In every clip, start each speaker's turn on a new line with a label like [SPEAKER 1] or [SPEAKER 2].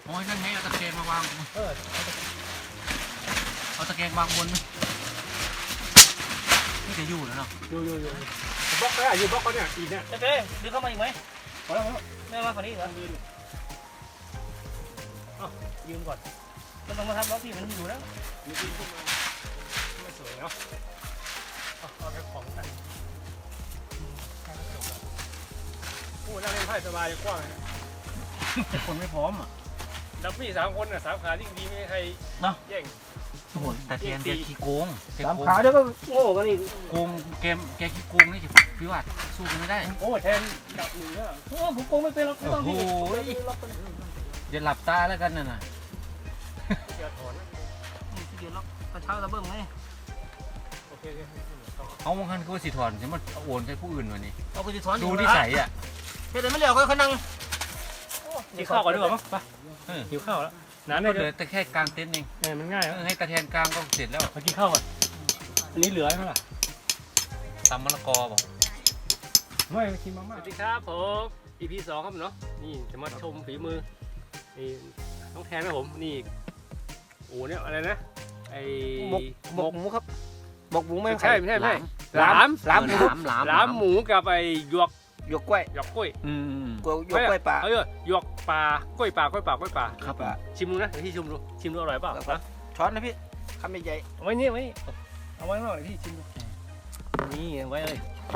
[SPEAKER 1] อ้ยนั่นไงเอาตะแกรงมาวางเอาตะแกรงวางบนนี่จะอยู่แล้วเนาะ
[SPEAKER 2] อยู่บล็อกก็อยู่บล็อกเขาเนี่ยอีกเนี่ย
[SPEAKER 3] โอเคดึงเข้ามาอีกไหมพอแล้วไม่มาฝั่งนี้เหรอยืนก่อนมันต้องมาทำบล็อกพี่มันอยู่แล้ว
[SPEAKER 2] ยืนขึ้นมาไม่สวยเนาะเอาไปของกันโอ้นั่งเล่นไพ่สบายกว้างเลย
[SPEAKER 1] คนไม่พร้อมอ่ะ
[SPEAKER 2] ดับพี่3 คนน่ะ3 ขายิ่งดีไม่ให้ใครแย่ง
[SPEAKER 1] โอ้โหแต่แกขี้โกง
[SPEAKER 3] 3 ขาเดี๋ยวก็โง่กันอีก
[SPEAKER 1] โกงแกขี้โกงนี่พี่วัดสู้กันไม่ได้
[SPEAKER 2] โอ้แทนดับหนึ่งแล้ว
[SPEAKER 3] ผมโกงไม่เป็นหรอกไม่ต้องพี่
[SPEAKER 1] อย่าหลับตาแล้วกันน่ะ
[SPEAKER 2] อย่าถอน
[SPEAKER 3] นี่เดี๋ยวล็อกกระเช้าระเบิ้งไง
[SPEAKER 2] โอเค
[SPEAKER 1] เอาบางครั้งก็สิถอนฉันมาโอนใช้ผู้อื่นวันนี้
[SPEAKER 3] เอาไปถอน
[SPEAKER 1] ดูนิสัยอ่ะ
[SPEAKER 3] เดี๋ยวไม่เหลียวก็เขานั่ง
[SPEAKER 2] กินข้าวก่อนดีกว่ามั้งไปหิวข้าวแล้ว
[SPEAKER 1] น้ำเลยแต่แค่กลางเต็นท์เอง
[SPEAKER 2] มันง่าย
[SPEAKER 1] ให้ตะแทนกลางก็เสร็จแล้ว
[SPEAKER 2] มากินข้าวก่อนอันนี้เหลือไหมล่ะ
[SPEAKER 1] ตำมะละกอบอก
[SPEAKER 2] ไม่กินมาม่าสวัสดีครับผม EP 2ครับเนาะนี่จะมาชมฝีมือนี่น้องแทนนะผมนี่โอ้เนี่ยอะไรนะไอ้
[SPEAKER 3] หมกหมูครับหมกหมูไม่
[SPEAKER 2] ใช่หลามหมูกับไอ้หยวกกล้วยหยวกกล้วย
[SPEAKER 3] ป่า
[SPEAKER 2] หยวกป่ากล้วยป่า
[SPEAKER 1] ครับ
[SPEAKER 2] ชิมดูนะที่ชิมดูอร่อยเปล่า
[SPEAKER 3] ช้อนนะพี่คำใหญ่
[SPEAKER 2] ๆไว้นี่เอาไว้หน่อยพี่ชิมดูนี่ไว้เลย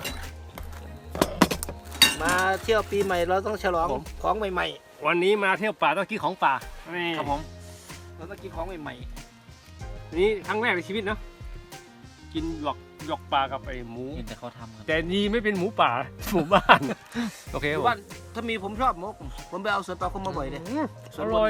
[SPEAKER 3] มาเที่ยวปีใหม่เราต้องฉลองของใหม่
[SPEAKER 2] ๆวันนี้มาเที่ยวป่าต้องกินของป่านี่
[SPEAKER 3] ครับผมเราต้องกินของใหม่
[SPEAKER 2] ๆนี่ครั้งแรกในชีวิตเนาะกินหยวกปลากับไอ้หมู
[SPEAKER 1] แต่เขาทำ
[SPEAKER 2] แต่นี่ไม่เป็นหมูป่าหมูบ้านโอเค
[SPEAKER 3] บ้านถ้ามีผมชอบมกผมไปเอาสวนปลาคมมาบ่อยเลย
[SPEAKER 2] อร่อย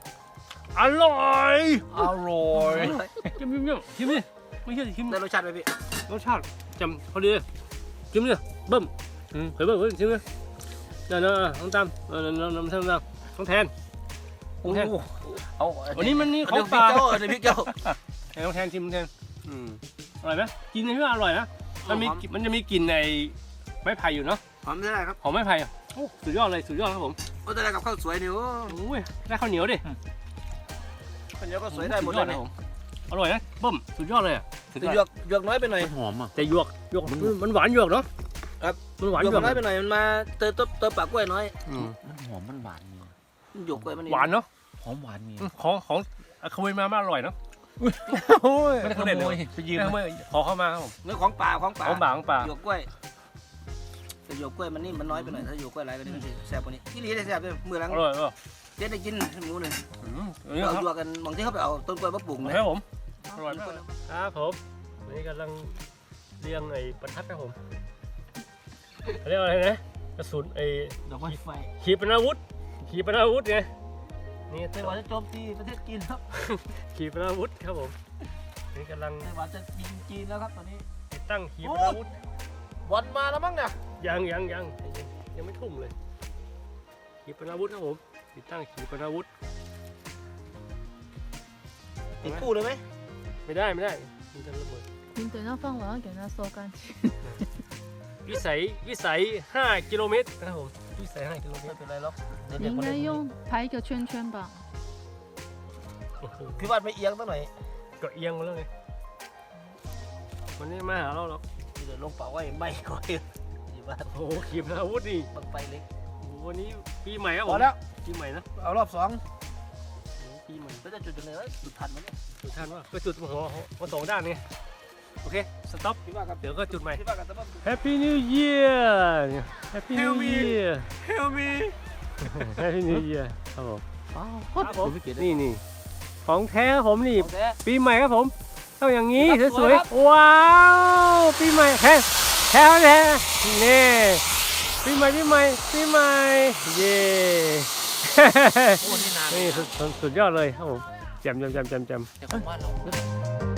[SPEAKER 2] ชิมนี่ไม่ใช่ชิม
[SPEAKER 3] ได้รสชาติไหมพี่
[SPEAKER 2] รสชาติจำเขาดีชิมนี่เบิ้มเฮ้ยเบิ้มชิมนี่เดี๋ยวน้องตั้มน้องแทน
[SPEAKER 1] เอา
[SPEAKER 2] วันนี้มันนี่ของป่า
[SPEAKER 3] เดี๋ยวพี่เจ้า
[SPEAKER 2] น้องแทนชิมแทนอร่อยไหมกินในเรื่องอร่อยนะมันจะมีกลิ่นในไม้ไผ่อยู่เนาะ
[SPEAKER 3] หอมได้ครับ
[SPEAKER 2] หอมไม้ไผ่สุดยอดเลยครับผม
[SPEAKER 3] โอ้แต่ได้กับข้าวสวยนี่โ
[SPEAKER 2] อ้ยได้ข้าวเหนียวดิ
[SPEAKER 3] ข้าวเหนียวก็สวยได้หมดเลย
[SPEAKER 2] ผมอร่อยนะเบิ้มสุดยอดเลย
[SPEAKER 3] แต่หยวกน้อยไปหน่อย
[SPEAKER 1] หอมอ่ะ
[SPEAKER 2] แต่หยวกมันหวานหยวกเนาะ
[SPEAKER 3] ครับ
[SPEAKER 2] มันหวาน
[SPEAKER 3] หยวกน้อยไปหน่อยมันมาเติมปากกล้วยน้อย
[SPEAKER 1] มันหอมมันหวาน
[SPEAKER 3] หยวกกล้วยมัน
[SPEAKER 2] หวานเนาะ
[SPEAKER 1] หอมหวานมี
[SPEAKER 2] ของขโมยมาอร่อยเนาะ
[SPEAKER 1] ไม่ได้ขโมยไปยืม
[SPEAKER 2] ขอเข้ามาครับผม
[SPEAKER 3] เนื้อของป่าหยวกกล้วยแต่หยวกกล้วยมันนี่มันน้อยไปหน่อยถ้าหยวกกล้วยอะไรก็ได้แซ่บกว่านี้ที่นี่ได้แซ่บด้วยมือหลัง
[SPEAKER 2] อร่อย
[SPEAKER 3] เด็ดได้กินหมูหนึ่งเราดูกันบางที่เขาไปเอาต้นกล้วยมาปลูก
[SPEAKER 2] นะครับผมอร่อยมากครับผมวันนี้กำลังเรียงไอ้ประทัดครับผมเรียกอะไรนะกระสุนไอ้
[SPEAKER 3] ดอกไม้ไฟ
[SPEAKER 2] ขีปนาวุธไง
[SPEAKER 3] นี่ไต้หวันจะโจมตีประเทศจีนครับ
[SPEAKER 2] ขีปนาวุธครับผมนี่กำลัง
[SPEAKER 3] ไต้หวันจะยิงจีนแล้วครับตอนนี้
[SPEAKER 2] ติดตั้งขีปนาวุธ
[SPEAKER 3] บอลมาแล้วมั้งเนี่ย
[SPEAKER 2] ยังไม่ทุ่มเลยขีปนาวุธครับผมติดตั้งขีปนาวุธ
[SPEAKER 3] ติดคู่เลยไหม
[SPEAKER 2] ไม่ได้มันจะระเบิด
[SPEAKER 4] 你等它放完要给它收干净
[SPEAKER 2] วิสัย5 กิโลเมตรนะครับผมวิสัย5 กิโลเมตร
[SPEAKER 3] เป็นไรหรอก
[SPEAKER 4] 你应该用排一个圈圈吧
[SPEAKER 3] พี่วัดไม่เอียงตั้งหน่อย
[SPEAKER 2] ก็เอียงมาแล้วไงวันนี้มาหาเราหรอก
[SPEAKER 3] เดี๋ยวลงเป่าไว้ไม่ก่อน
[SPEAKER 2] โอ้โหขีปนาวุธนี่
[SPEAKER 3] บังไฟเล็ก
[SPEAKER 2] วันนี้ปีใหม่ครับผม
[SPEAKER 3] แล้ว
[SPEAKER 2] ปีใหม่นะ
[SPEAKER 3] เอารอบ
[SPEAKER 2] ปีใหม่
[SPEAKER 3] แล้วจะจุดยังไงวะจุดทันมั้ย
[SPEAKER 2] จุดทันวะก็จุดหัว2 ด้านไงโอเคสต็อปเดี๋ยวก็จุดใหม่ Happy New Year Happy New Year
[SPEAKER 3] Help me
[SPEAKER 2] Happy New Year ครับผมนี่ของแท้ผมนี่ปีใหม่ครับผมต้องอย่างนี้สวยๆว้าวปีใหม่แท้นี่ปีใหม่เย่นี่สุดยอดเลยครับผมแจ่ม
[SPEAKER 1] แต่ของบ้านเรา